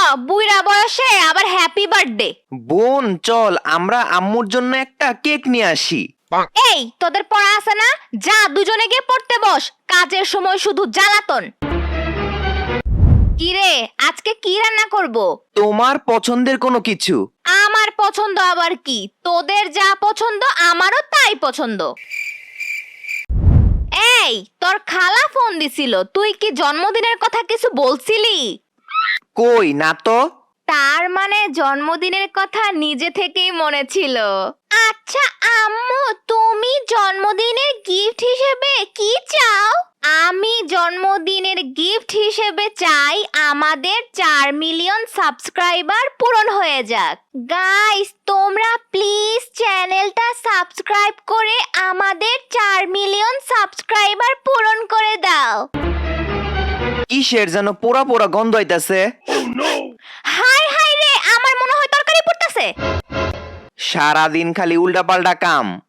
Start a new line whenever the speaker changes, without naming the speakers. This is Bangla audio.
বুইড়া বয়সে আবার হ্যাপি বার্থডে।
বোন চল আমরা আম্মুর জন্য একটা কেক নিয়ে আসি।
এই তোদের পড়া আছে না, যা দুজনে গিয়ে পড়তে বস, কাজের সময় শুধু জ্বালাতন। কিরে আজকে কি রান্না করব?
তোমার পছন্দের কোনো কিছু।
আমার পছন্দ আবার কি? তোদের যা পছন্দ আমারও তাই পছন্দ। এই তোর খালা ফোন দিছিল, তুই কি জন্মদিনের কথা কিছু বলছিলি?
কই না তো।
তার মানে জন্মদিনের কথা নিজে থেকেই মনে ছিল। আচ্ছা আম্মু, তুমি জন্মদিনের গিফট হিসেবে কি চাও? আমি জন্মদিনের গিফট হিসেবে চাই আমাদের 4 মিলিয়ন সাবস্ক্রাইবার পূরণ হয়ে যাক। গাইস তোমরা প্লিজ চ্যানেলটা সাবস্ক্রাইব করে আমাদের 4 মিলিয়ন সাবস্ক্রাইবার পূরণ করে দাও।
কিসের যেন পোড়া পোড়া গন্ধ হইতাছে।
হাই হাই রে, আমার মনে হয় তরকারি পড়তেছে।
সারাদিন খালি উল্টাপাল্টা কাম।